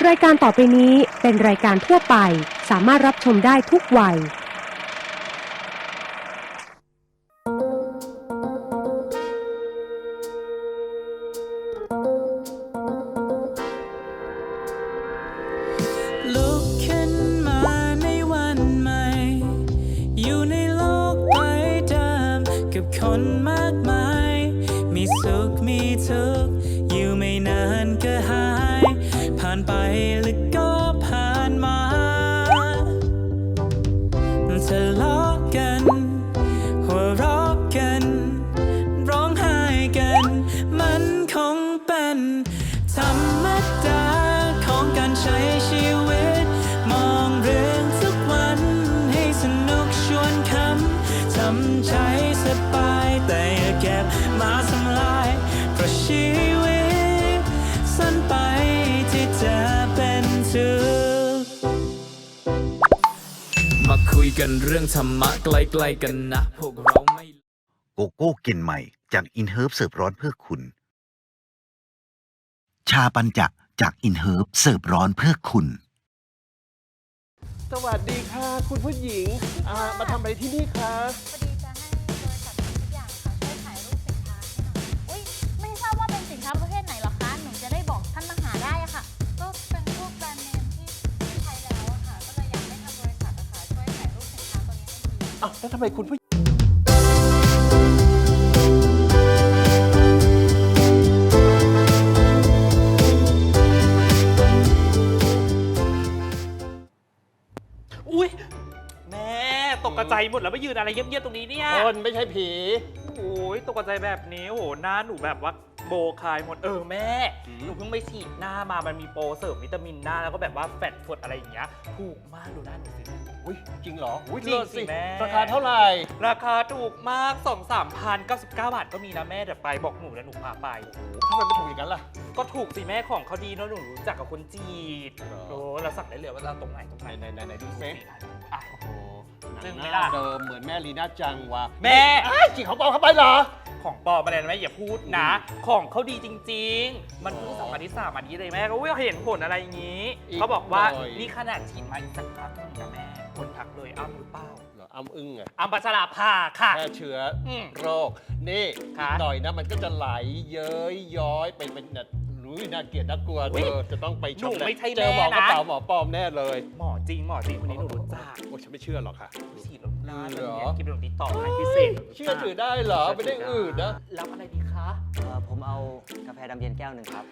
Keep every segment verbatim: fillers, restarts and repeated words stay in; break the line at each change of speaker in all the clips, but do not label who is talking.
รายการต่อไปนี้เป็นรายการทั่วไปสามารถรับชมได้ทุกวัย
ลุกขึ้นมาในวันใหม่อยู่ในโลกใบเดิมกับคนมากมายมีสุขมีทุกข์อยู่ไม่นานก็หายผ่านไปหรือก็ผ่านมาทะเลาะกันหัวเราะกันร้องไห้กันมันคงเป็นธรรมดาของการใช้ชีวิตมองเรื่องทุกวันให้สนุกชวนคำทำใจสบายแต่อย่าเก็บมาทำลายเพราะชีวิตสั้นไปที่จะเป็นทุกข์มาคุยกันเรื่องธรรมะใกล้ๆกันนะพวกเราไม่
โกโก้กลิ่นใหม่จากอินเฮิร์บเสิร์ฟร้อนเพื่อคุณชาปัญจะจากอินเฮิร์บเสิร์ฟร้อนเพื่อคุณ
สวัสดีค่ะคุณผู้หญิงอ่ามาทำอะไรที่นี่คะ
พอดีจะให้บริษัททำทุกอย่างค่ะช่วยถ่ายรูปสินค้าให้หน่อยอุ้ยไม่ทราบว่าเป็นสินค้าประเภทไหนหรอคะหนูจะได้บอกท่านมาหาได้อะค่ะก็เป็นพวกแบรนด์เนมที่ที่ใช้แล้วอะค่ะก็เลยอยากให้ทางบริษัทอะค่ะช่วยถ่ายรูปสินค้าตัวนี้ให้ดี
อ้าวแล้วทำไมคุณผู้
อุ้ยแม่ตกกระใจหมดแล้วมายืนอะไรเยี่ยมๆตรงนี้เนี่ย
คนไม่ใช่ผี
โอ้ยตกกระใจแบบนี้โอ้โหหน้าหนูแบบว่าโบคายหมดเออแม่หนูเพิ่งไปฉีดหน้ามามันมีโปรเสริมวิตามินหน้าแล้วก็แบบว่าแฟตฟดอะไรอย่างเงี้ยถูกมากดูหน้าหนูสิ
อุ้ยจริงเหรออุ้ย
จริงสิแม่
ราคาเท่าไหร่
ราคาถูกมากสองสามพันเก้าสิบเก้าบาทก็มีนะแม่เดี๋ยวไปบอกหนูแล้วหนูพาไป
ทำไมไม่ถูกอย่างนั้นล่ะ
ก็ถูกสิแม่ของเขาดีเนาะหนูรู้จักกับคนจีน
เหรอ
โอ้เราสั่งได้เลยว่าเราตรงไหนตรงไหน
ไหนไหนไหนดูเซ็ก
อ่ะ
โอ้โหหนั
จึ้
ง
ง
ห
ไหม
น้า
ล่ะ
เดิมเหมือนแม่ลีน่าจังวะ
แม่
ไอ้ยจีของปลอมเข้าไปเหรอ
ของปลอมอะไรนะแม่อย่าพูดนะ ของเขาดีจริง ๆ มันเพิ่งสองอันที่สามอันนี้เลยแม่ก็เห็นผลอะไรอย่างนี้
อีก
เขาบอกว่า
หน่อย
นี่ขนาดฉีดมาอีกสักพักหนึงนะแม่ คนทักเลยอ้ำหรือเปล่า
เหรออ้ำอึ้งอะ
อ้ำปัชราภาค่ะ
แค่เชื้ออ
ม
โรค นี่
ค่ะ
อีกหน่อยนะมันก็จะไหลเย้ยย้อยไปเป็นเนี่ยรู้น่าเกลียดน่ากลัว
อุ๊
เธ
ย
อจะต้องไปช
หนู
ม
ไม่ใช่
เจอหมอ
แม่
กระ
นะ
เป๋าหมอปลอมแน่เลย
หมอจริงหมอจริงคนนี้หนูรู้จัก
โอ้ฉันไม่เชื่อหรอกค่ะ
ฉีดแล้วหน้า
เหร
จะ
อ
เนียนกินแบบติดต่อให้พิเศษ
เชื่อถือได้เหรอไม่ได้อืดนะ
แล้วอะไรดีคะ
เอ่อผมเอากาแฟดำเย็นแก้วหนึ่งครับ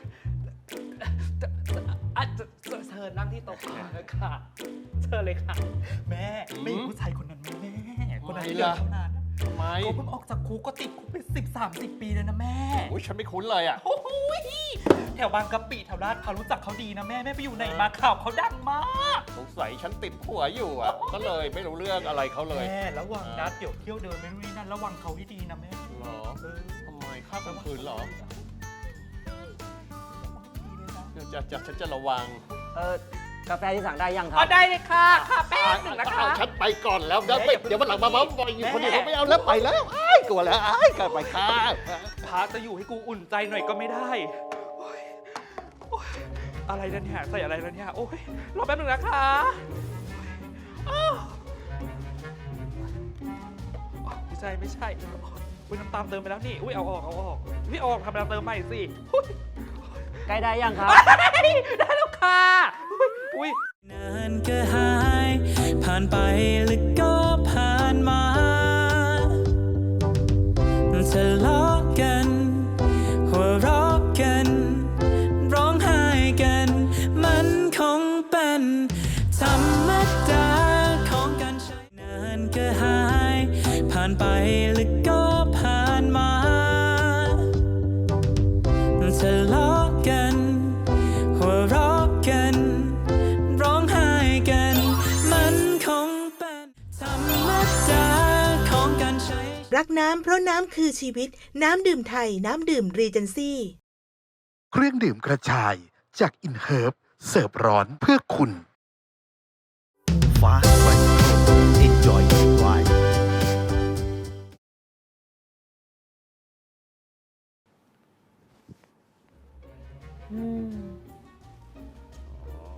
อ่ะเชิญเชิญนั่งที่โต๊ะก่อนเลยค่ะเชิญเลยค่ะ แม่ไม่เห็นผู้ชายคนนั้นไหมแม่คนนั้นที่เดินเท่านั้น
ทำไม
เขาเพิ่งออกจากคุกก็ติดคุกไปสิบสามสิบปีเลยนะแม่
โอ้ยฉันไม่คุ้นเลยอ่ะ
โอ้โหแถวบางกะปิแถวลาดพร้าวรู้จักเขาดีนะแม่แม่ไปอยู่ไหนมาข่าวเขาดังมาก
สงสัยฉันติดผัวอยู่อ่ะ ก็เลยไม่รู้เรื่องอะไรเขาเลย
แม่ระวังนะเดี๋ยวเที่ยวเดินไม่รู้นี่นั่นระวังเขาให้ดีนะแม่
เหรอ
เออ
ทำไมข้ามกลางคืนเหรอเดี๋ยวจะจะฉันจะระวัง
เออกาแฟที่สั่งได้ยังครั
อ๋
บ
อได้เลยค่ะค่ะแป๊บหนึ่งนะคะ
อ้าวฉันไปก่อนแล้วเดี๋ยวไปเดี๋ยววันหลังมาเมาส์มอยอยู่คนเดียวเขาไม่เอาแล้วไปแล้วไอ้ายกลัวแล้วไอ้ายกลับไปค่ะ
พาจะอยู่ให้กูอุ่นใจหน่อยก็ไม่ได้โอ๊ยโอ๊ยอะไรนะเนี่ยใส่อะไรนะเนี่ยโอ้ยรอแป๊บหนึ่งนะคะอ้าวไม่ใช่ไม่ใช่อุ้ยน้ำตาลเติมไปแล้วนี่อุ้ยเอาออกเอาออกพี่เอาออกทำน้ำเติมใหม่สิอุ๊ย
ใกล้ได้ยังครับ
ได้แล้วค่ะอุ้ยอุ้ยนานก็หายผ่านไปหรือก็ผ่านมาทะเลาะกันหัวเราะกันร้องไห้กันมันคงเป็นธรรมดาของการใช้นานก็หายผ่านไปหรือก็ผ่านมาทะเลาะกันหัวเราะกันร้องไห้กันมันคงเป็นธรรมดาของการใช้
รักน้ำเพราะน้ำคือชีวิตน้ำดื่มไทยน้ำดื่มรีเจนซี่
เครื่องดื่มกระชายจากอินเฮิร์บเสิร์ฟร้อนเพื่อคุณ
Fast White Enjoy Your Ride
อ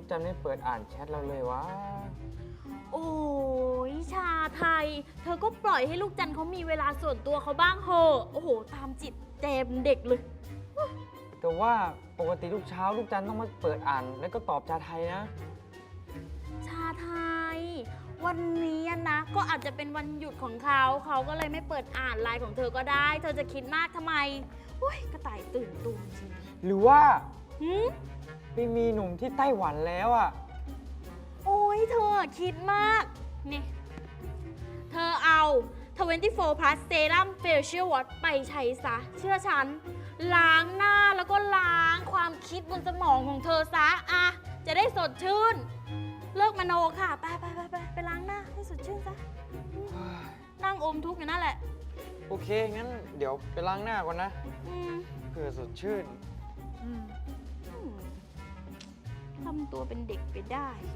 จันไม่เปิดอ่านแชทเราเลยวะ
โอ้ยชาไทย เธอก็ปล่อยให้ลูกจันเขามีเวลาส่วนตัวเขาบ้างเหอะโอ้โห ตามจิตเจมเด็กเลย
แต่ว่าปกติทุกเช้าลูกจันต้องมาเปิดอ่านแล้วก็ตอบชาไทยนะ
ชาไทย วันนี้นะ ก็อาจจะเป็นวันหยุดของเขาเขาก็เลยไม่เปิดอ่านไลน์ของเธอก็ได้ เธอจะคิดมากทำไมโอ้ยกระต่ายตื่นตูมจริง
หรือว่า
หืม
ไปมีหนุ่มที่ไต้หวันแล้วอ่ะ
โอ้ยเธอคิดมากนี่เธอเอาทเวนตี้โฟร์ plus serum facial wash ไปใช้ซะ เชื่อฉัน ล้างหน้าแล้วก็ล้างความคิดบนสมองของเธอซะอะจะได้สดชื่น เลิกมโนค่ะ ไปไปไปไปไปล้างหน้าให้สดชื่นซะอืมนั่งอมทุกข์อยู่นั่นแหละ
โอเค งั้นเดี๋ยวไปล้างหน้าก่อนนะ
อืม
เพื่อสดชื่น
อืมอืมทำตัวเป็นเด็กไปได้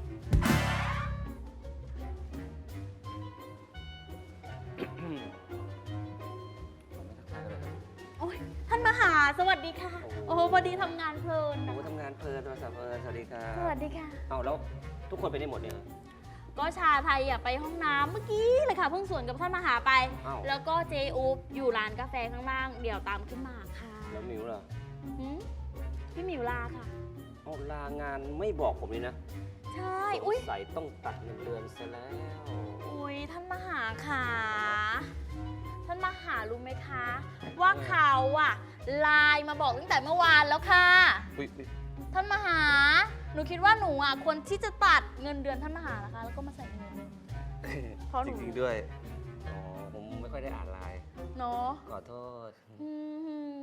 โอ้ยท่านมหาสวัสดีค่ะ โอ้โหพอดีทำงานเพลิน
โอ้
นะ
ทำงานเพลินโทรศัพท์เพลินสวัสดีครับ
สวัสดีค่ะ
เอาแล้วทุกคนไปได้หมดเนี่ย
ก็ชาไทยอ่ะไปห้องน้ำเมื่อกี้เลยค่ะเพิ่งสวนกับท่านมหาไป
อ้าว
แล้วก็เจอูปอยู่ร้านกาแฟข้างล่าง เดี๋ยวตามขึ้นมาค่ะ
แล้วมิวล่ะ
หืมพี่หมิวลาค่ะ
เอาลางานไม่บอกผมเลยนะ
ใช่ อุ้ย
สงสัยต้องตัดเงินเดือนซะแล้ว
อุ้ยท่านมหาค่ะท่านมหารู้ไหมคะ ว่าเขาอ่ะไลน์มาบอกตั้งแต่เมื่อวานแล้วค่ะ
อุ๊ย
ท่านมหา หนูคิดว่าหนูอ่ะควรที่จะตัดเงินเดือนท่านมหานะคะ แล้วก็มาใส่เงินเดือนเพราะห
จ
นู
ริงๆด้วย อ๋อ ผมไม่ค่อยได้อ่านไลน์
เนาะ
ขอโทษ
อืม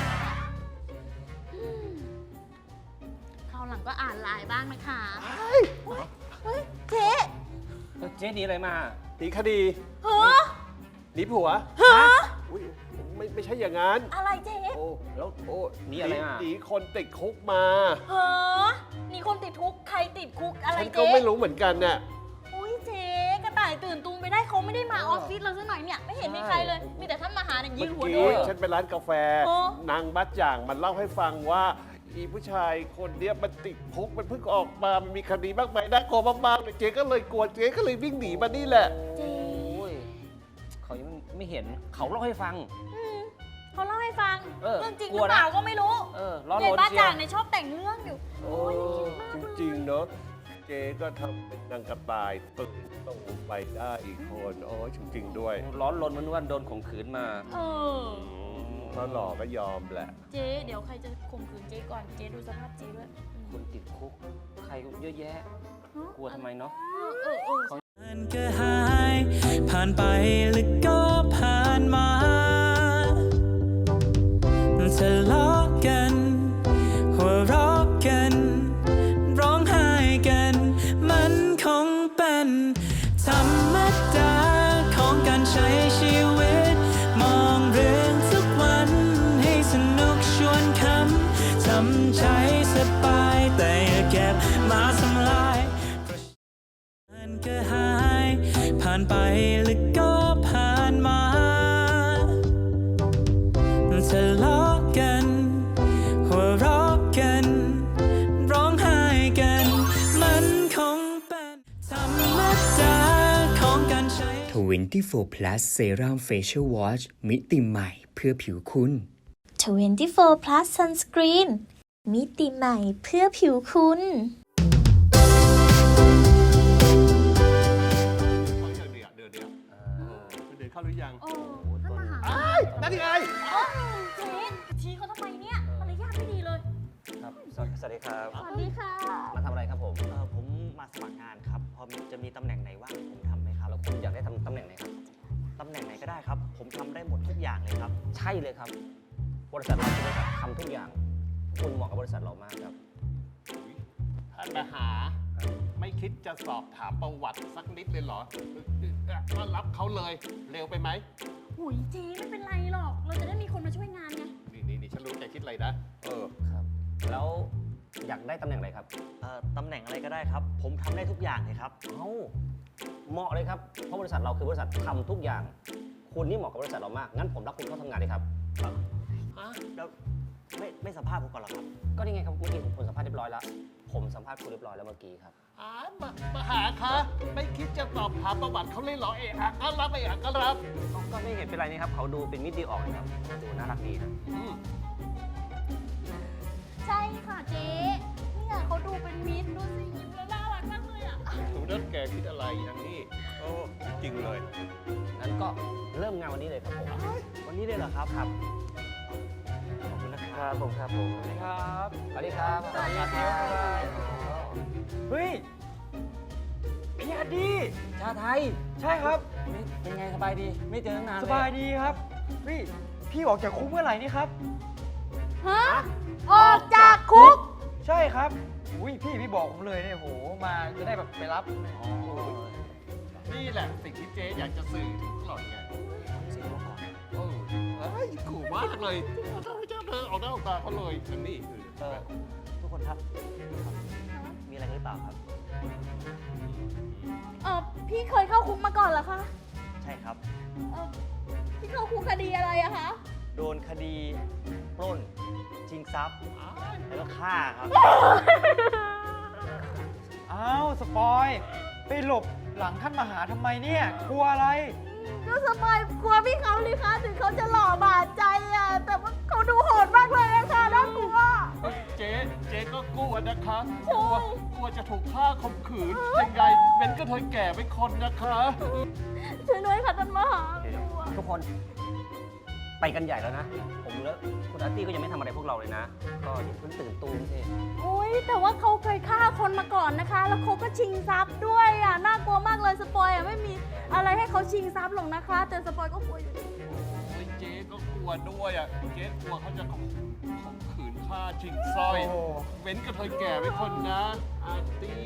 อืมคราวหลังก็อ่านไลน์บ้างนะคะเฮ้ยเฮ้ยเจ๊
เจ๊หนีอะไรมา
หนีคดี
เฮ้อ
หนีผัว
เฮ้อ
อุ๊ยไม่ไม่ใช่อย่างนั้น
อะไรเจ๊
โอ้
แล้ว
โอ้
หนีอะไรมา
หนีคนติดคุกมา
เฮ้อนี่คนติดคุก ใครติดคุกอะไร
ฉันก็
เจ๊
ไม่รู้เหมือนกันน่ะ
อุ้ยเจ๊กระต่ายตื่นตูมไปได้เขาไม่ได้มา
เออ
ออฟฟิศเราสักหน่อยเนี่ย ไม่เห็นมีใครเลย มีแต่ท่านมหาเนี่ยยื
เมื่อน
หัว
กี้
โดน
ฉันไปร้านกาแฟ
โอ้
นางบัดจ่างมันเล่าให้ฟังว่าอีผู้ชายคนเนี้ยมันติดคุกมันเพิ่งออกมามันมีคดีมากมายน่ากลัวมากๆเลยเจ๊ก็เลยกลัวเจ๊ก็เลยวิ่งหนีมานี่แหละ
เจ๊
โอ้ยเขายังไม่เห็น เขาเล่าให้ฟัง
อืมเขาเล่าให้ฟัง
เออ
เรื่องจริงห
กลั
รื
ว
อ
นะ
เปล่าก็ไม่รู้
เออร้อน
เด็
ร
ก
น
บ้า
เชีย
จ่าง
ว
เนี่ยชอบแต่งเรื่องอยู่ โอ้ยคิดมาก
จริงๆเนาะเจ๊ก็ทำเป็นนางกระต่ายตื่นต้องไปได้อีกคนโอ้ยจริงๆด้วย
ร้อนรนมันว่าโดนข่มขืนมา
เออ
ถ้าหลอกก็ยอมแหละ
เจ๊เดี๋ยวใครจะข่มขืนเจ๊ก่อน เจ๊ดูสภาพเจ๊ด้วย
คนติดคุก ใครเยอะแยะ กลัวทำไมเนาะ
เออเออเออ
มันก็หายผ่านไปแล้วก็ผ่านมาทะเลาะกันหัวเราะกันร้องไห้กันมันคงเป็นธรรมดาของการใช้ชีวิตมองเรื่องทุกวันให้สนุกชวนคำทำใจสบายแต่อย่าเก็บมาทำลายมันก็หายผ่านไปแล้วก็ผ่านมาทะเลาะกันหัวเราะกันร้องไห้กันมันคงเป็นธรรมดาของการใช้
ทเวนตี้โฟร์ plus Serum Facial Wash มิติใหม่เพื่อผิวคุณ
ทเวนตี้โฟร์ plus Sunscreen มิติใหม่เพื่อผิวคุณ
เดือดเดือดเดือดเดือดเข้าหรือยัง
โอ้ท่านมหา
นั่นยังไง
เอ้าเจ๊ชี้เขาทำไมเนี่ยมารยาทไม่ดีเลย
ครับ สวัสสวัสดีครับ
สวัสดีค่ะ
มาทำอะไรครับผม
เออผมมาสมัครงานครับ พอมีจะมีตำแหน่งไหนว่างผมทำไหมครับ
แล้วคุณอยากได้ทำตำแหน่งไหนครับ
ตำแหน่งไหนก็ได้ครับ ผมทำได้หมดทุกอย่างเลยครับ
ใช่เลยครับ บริษัทเราคือบริษัททำทุกอย่าง คุณเหมาะกับบริษัทเรามากครับ
ท่านมหา ไม่คิดจะสอบถามประวัติสักนิดเลยเหรอก็รับเขาเลยเร็วไปไหม
หุยเจ๊ไม่เป็นไรหรอก เราจะได้มีคนมาช่วยงานไง
นี่นี่นี่ฉันรู้ใจคิดอะไรนะ เออ
ครับ แล้วอยากได้ตำแหน่งอะไรครับ
เอ่อตำแหน่งอะไรก็ได้ครับ ผมทำได้ทุกอย่างเลยครับ
เอ้า เหมาะเลยครับ เพราะบริษัทเราคือบริษัททำทุกอย่าง คุณนี่เหมาะกับบริษัทเรามาก งั้นผมรับคุณเข้าทำงานเลยครับ
แล้วไม่ไม่สัมภาษณ์ผมก่อนเหรอครับ
ก็นี่ไงครับเมื่อกี้ผมสัมภาษณ์เรียบร้อยแล้ว ผมสัมภาษณ์คุณเรียบร้อยแล้วเมื่อกี้ครับ
อ่ามามาหาคะไม่คิดจะสอบถามประวัติเขาเลยเหรอเอะอะก็รับเอะอะก็รับ
ก็ไม่เห็นเป็นไรนี่ครับเขาดูเป็นมิตรดีออกนะครับดูน่ารักดีนะ
อืม
ใช่ค่ะเจ๊เนี่ยเขาดูเป็นมิตรดูสิยิ้มแล้วน่ารักมากเลยอ่ะ
หนูนั่นแกคิดอะไรอย่างนี้โอ้จริงเลย
งั้นก็เริ่มงานวันนี้เลยครับผม
วันนี้เลยเหรอครับครับ ขอบคุณนะครับผมครับผม
สวัสดีครับสวัสดีครับ
สวัสดีครับเฮ้ยพี่อาดี
ชาไทย
ใช่ครับ
เป็นไงสบายดี ไม่เจอตั้งนานเลย
สบายดีครับพี่พี่ออกจากคุกเมื่อไหร่นี่ครับ
ฮะ ออกจากคุก
ใช่ครับอุ้ยพี่พี่บอกผมเลยเนี่ยโหมาจะได้แบบไปรับ
อ๋อนี่แหละสิ่งที่เจ๊อยากจะสื่อถึงหล่อนไง
เสียงมาก่อน
โอ้เฮ้ยขู่มากเลยเจ้าเจ้าเธอเอาหน้าเอาตาเขาเลยอย่างนี้คือ
เออทุกคนครับ มีอะไรกันหรือเปล่าครับ
เออพี่เคยเข้าคุกมาก่อนเหรอคะ
ใช่ครับ
เออพี่เข้าคุกคดีอะไรอะคะ
โดนคดีปล้นชิงทรัพย์
อ้าย
แล้วก็ฆ่าครับ
อ้าวสปอยไปหลบหลังท่านมหาทำไมเนี่ยกลัวอะไร
ก็สบายกลัวพี่เขาเลยคะถึงเขาจะหล่อบาดใจอะแต่ว่าเขาดูโหดมากเลยนะคะน่ากลัว
เจ๊เจ๊ก็กลัวนะคะ
ใช่
กลัวกลัวจะถูกฆ่าข่มขืนยังไงเป็นก็เธอแก่เป็นคนนะคะ
ช่วยด้วยค่ะท่านมหา
เดี๋ยว
กลัว
ๆทุกคนไปกันใหญ่แล้วนะ ผมแล้วคุณอาร์ตี้ก็ยังไม่ทำอะไรพวกเราเลยนะ ก็อย่าเพิ่งตื่นตูมสิ
อุ้ยแต่ว่าเขาเคยฆ่าคนมาก่อนนะคะ แล้วเขาก็ชิงทรัพย์ด้วยอ่ะน่ากลัวมากเลยสปอยอ่ะไม่มีอะไรให้เขาชิงทรัพย์หรอกนะคะ แต่สปอยก็กลัวอยู่ดี
โอ้ยเจ๊ก็กลัวด้วยอ่ะเจ๊กลัวเขาจะข่มข่มขืนฆ่าชิงสร้อย
โอ้
เว้นก็เธอแก่เป็นคนนะอาร์ตี้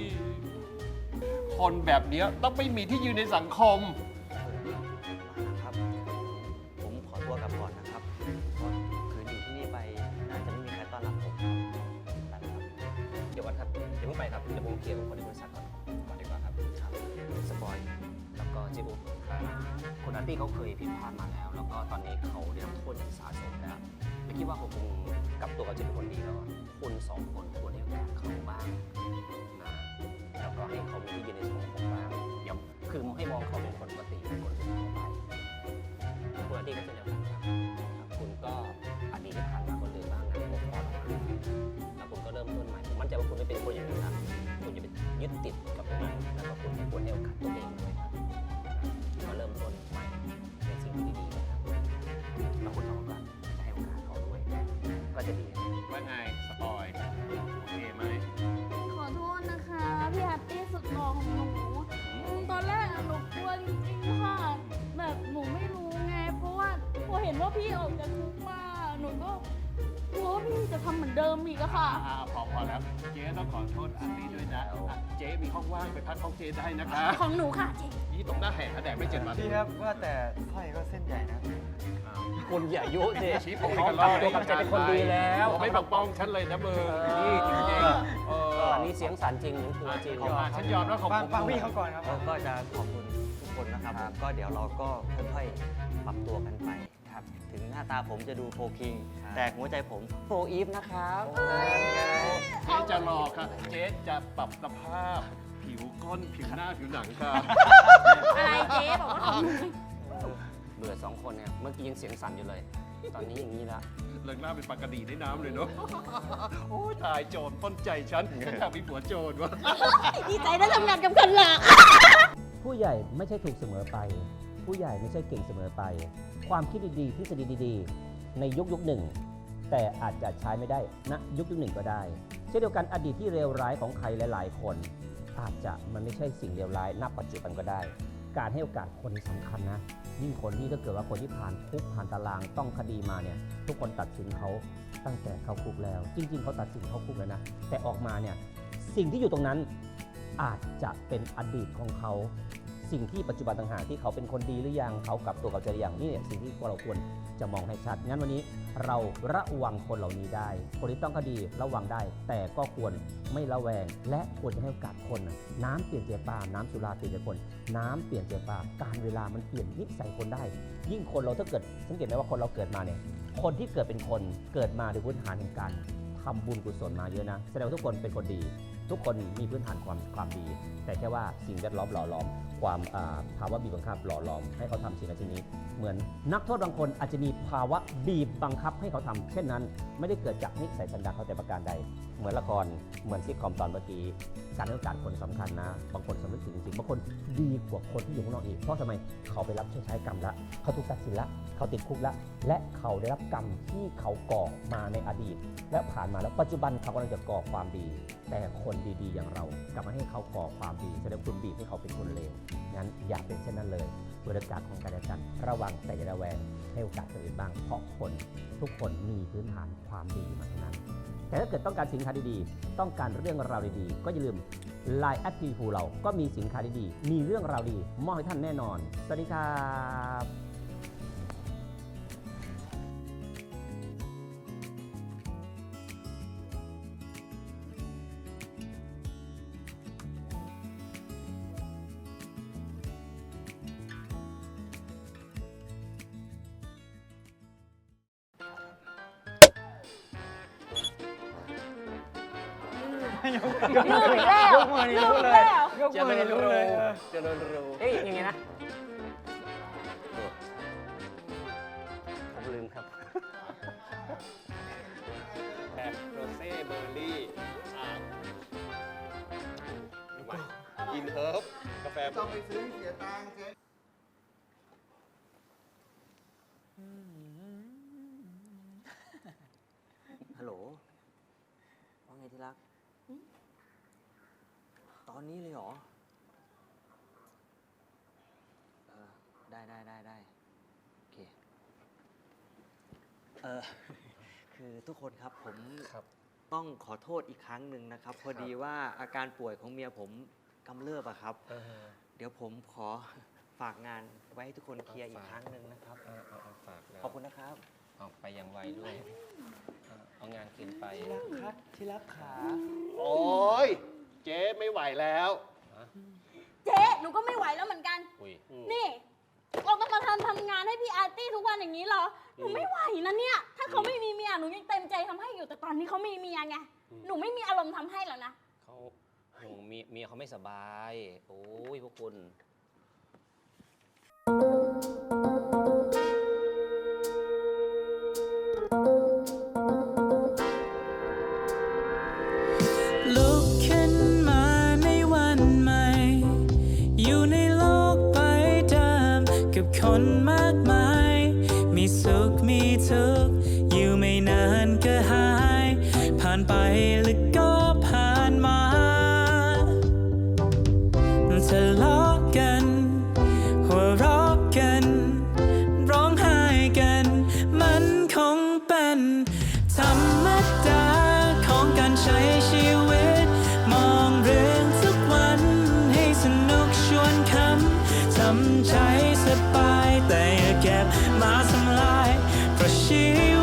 คนแบบเนี้ยต้องไม่มีที่ยืนในสังคม
ครับ ผมขอตัวกลับก่อนนะครับ เพราะคืนอยู่ที่นี่ไปน่าจะไม่มีใครต้อนรับผมครับไปครับ
เดี๋ยวก่อนครับเดี๋ยวเพิ่งไปครับ เดี๋ยวผมเคลียร์กับคนในบริษัทก่อนก่อนดีกว่าครับ
ครับ
สปอยแล้วก็เจบุ๊กคุณอาร์ตี้เขาเคยผิดพลาดมาแล้ว แล้วก็ตอนนี้เขาได้รับโทษอย่างสาสมแล้วไม่คิดว่าเขาคงกลับตัวกับเจเป็นคนดีแล้วอะคุณสองคนควรให้โอกาสเขาบ้างนะแล้วก็ให้เขามีที่ยืนในสังคมบ้างอย่าคือให้มองเขาเป็นคนปกติเป็นคนทั่วไปคุณอาร์ตี้ก็เช่นเดียวกันครับครับคุณก็อดีตที่ผ่านมาก็ลืมบ้างนะพวกพอลงมาแล้วคุณก็เริ่มต้นใหม่ผมมั่นใจว่าคุณไม่เป็นคนอย่างนั้นนะคุณจะไปยึดติดกับตรงนั้นแล้วก็คุณไม่ควรให้โอกาสตัวเองด้วยครับมาเริ่มต้นใหม่ในสิ่งที่ดีๆนะครับแล้วคุณต้องการจะให้โอกาสเขาด้วยก็จะดีนะครับ
ว่าไงสปอยโอเคไหม
ขอโทษนะคะพี่แฮปปี้สุดหล่อของหนูอืมตอนแรกอะหนูกลัวจริงๆค่ะแบบหนูไม่รู้ไง เพราะว่าพอเห็นว่าพี่ออกจากคุกมาหนูก็กลัวว่าพี่จะทำเหมือนเดิมอีกอะค่ะ
อ่าพอพอแล้ว เจ๊ต้องขอโทษอาร์ตี้ด้วยนะอ่ะเจ๊มีห้องว่างไปพักห้องเจ๊ได้นะคะ
ของหนูค่ะเจ๊
ยี่ตรงหน้าแหกแดดไม่เจ็ดวัน
พี่ครับว่าแต่สร้อยก็เส้นใหญ่นะ
อ้าว
คุณอย่ายุสิ
ชี้ผม
เขา
กัน
ทำตัวกับใจเป็นคนดีแล้ว
ไม่ปกป้องฉันเลยนะเบอร์นี่จริงๆเออ
อันนี้เสียงสันจริงหรือตัวจริง
อ่ะฉันยอมแล้วของ
ฟัง
ผม
ฟังพี่เขาก่อนครับ
แล้วก็จะขอบคุณทุกคนนะครับผมก็เดี๋ยวเราก็ค่อยๆ ปรับตัวกันไปครับ ถึงหน้าตาผมจะดูโฟคิง แต่หัวใจผมโฟอีฟนะครับ
เจ๊จะรอค่ะ เจ๊จะปรับสภาพ ผิวก้นผิวหน้าผิวหนังค่ะ
อะไรเจ๊บอกว่าของหนู
เบื่อสองคนเนี่ย เมื่อกี้ยังเสียงสั่นอยู่เลย ตอนนี้อย่างนี้แล้ว
เลิกหน้าเป็นปากกระดีในน้ำเลยเนาะ โอ้ยตายโจรปล้นใจฉันฉันอยากมีผัวโจรวะ
ดีใจได้ทำงานกับคนหลัก
ผู้ใหญ่ไม่ใช่ถูกเสมอไป ผู้ใหญ่ไม่ใช่เก่งเสมอไป ความคิดดีๆทฤษฎีดีๆ ในยุคยุคหนึ่ง แต่อาจจะใช้ไม่ได้ณยุคยุคหนึ่งก็ได้ เช่นเดียวกันอดีตที่เลวร้ายของใครหลายๆ คน อาจจะมันไม่ใช่สิ่งเลวร้ายณปัจจุบันก็ได้ การให้โอกาสคนสำคัญนะยิ่งคนที่ถ้าเกิดว่าคนที่ผ่านคุกผ่านตารางต้องคดีมาเนี่ยทุกคนตัดสินเขาตั้งแต่เข้าคุกแล้ว จริง ๆเขาตัดสินเข้าคุกแล้วนะแต่ออกมาเนี่ยสิ่งที่อยู่ตรงนั้นอาจจะเป็นอดีตของเขาสิ่งที่ปัจจุบันต่างหากที่เขาเป็นคนดีหรือยังเขากลับตัวกลับใจหรือยังนี่เนี่ยสิ่งที่พวกเราควรจะมองให้ชัดงั้นวันนี้เราระวังคนเหล่านี้ได้คนที่ต้องคดีระวังได้ แต่ก็ควรไม่ละแวงและควรจะให้โอกาสคนนะน้ำเปลี่ยนใจปลาน้ำสุราเปลี่ยนใจคนน้ำเปลี่ยนใจปลาการเวลามันเปลี่ยนนิสัยคนได้ ยิ่งคนเราถ้าเกิดสังเกตไหมว่าคนเราเกิดมาเนี่ยคนที่เกิดเป็นคนเกิดมาด้วยพื้นฐานแห่งการทำบุญกุศลมาเยอะนะแสดงว่าทุกคนเป็นคนดีทุกคนมีพื้นฐานความความดีแต่แค่ว่าสิ่งแวดล้อมหล่อหลอมความภาวะบีบบังคับหล่อหลอมให้เขาทำสิ่งนั้นสิ่งนี้เหมือนนักโทษบางคนอาจจะมีภาวะบีบบังคับให้เขาทำเช่นนั้นไม่ได้เกิดจากนิสัยสันดานเขาแต่ประการใดเหมือนละครเหมือนซิทคอมตอนเมื่อกี้การให้โอกาสคนสำคัญนะบางคนสำนึกถึงจริงๆบางคนดีกว่าคนที่อยู่ข้างนอกอีกเพราะทำไมเขาไปรับใช้กรรมละเขาถูกตัดสินละเขาติดคุกละและเขาได้รับกรรมที่เขาก่อมาในอดีตและผ่านมาแล้วปัจจุบันเขากำลังจะก่อความดีแต่คนดีๆอย่างเรากลับมาให้เขาก่อความดีแสดงคุณบีบให้เขาเป็นคนเลวงั้นอย่าเป็นเช่นนั้นเลยบริการของการและกันระวังแต่อย่าระแวงให้โอกาสคนอื่นบ้างเพราะคนทุกคนมีพื้นฐานความดีมาทั้งนั้นแต่ถ้าเกิดต้องการสินค้าดีๆต้องการเรื่องราวดีๆก็อย่าลืม ไลน์ แอท ที ฟู เราก็มีสินค้าดีๆมีเรื่องราวดีมอบให้ท่านแน่นอนสวัสดีครับ
ยกยกมือแล้วยกมือนี่รู้เลยยกมือนี่รู้เลย
จะโดนรู้
เอ้ยยังไงนะ
ผมลืมครับ
แบบโรเซ่เบอร์รี่อ่าอินเฮิร์บกาแฟต้องไปซื้อเสียตังค์เจ๊
ฮัลโหลว่าไงที่รักตอนนี้เลยเหรอเออได้ได้ได้ได้โอเคเออคือทุกคนครับผมต้องขอโทษอีกครั้งหนึ่งนะครับพอดีว่าอาการป่วยของเมียผมกำเริบอะครับเดี๋ยวผมขอฝากงานไว้ให้ทุกคนเคลียร์อีกครั้งหนึ่งนะครับขอบคุณนะครับ
ออกไปอย่างไวด้วยเอางานคืนไป
ที่รักครับที่รักขา
โอ้ยเจ๊ไม่ไหวแล้ว
เจ๊หนูก็ไม่ไหวแล้วเหมือนกันนี่เราต้องมาทำทำงานให้พี่อาร์ตี้ทุกวันอย่างนี้เหรอหนูไม่ไหวนะเนี่ยถ้าเขาไม่มีเมียหนูยังเต็มใจทำให้อยู่แต่ตอนนี้เขามีเมียไงหนูไม่มีอารมณ์ทำให้แล้วนะ
เขาโอ้เมียเมียเขาไม่สบายโอ้ยพวกคุณ
ลุกขึ้นมาในวันใหม่อยู่ในโลกใบเดิมกับคนมากมายมีสุขมีทุกข์อยู่ไม่นานก็หายผ่านไปแล้วก็ผ่านมาทะเลาะกันหัวเราะกันร้องไห้กันมันคงเป็นธรรมดาของการใช้ชีวิตมองเรื่องทุกวันให้สนุกชวนคำทำใจสบายแต่อย่าเก็บมาทำลายเพราะชี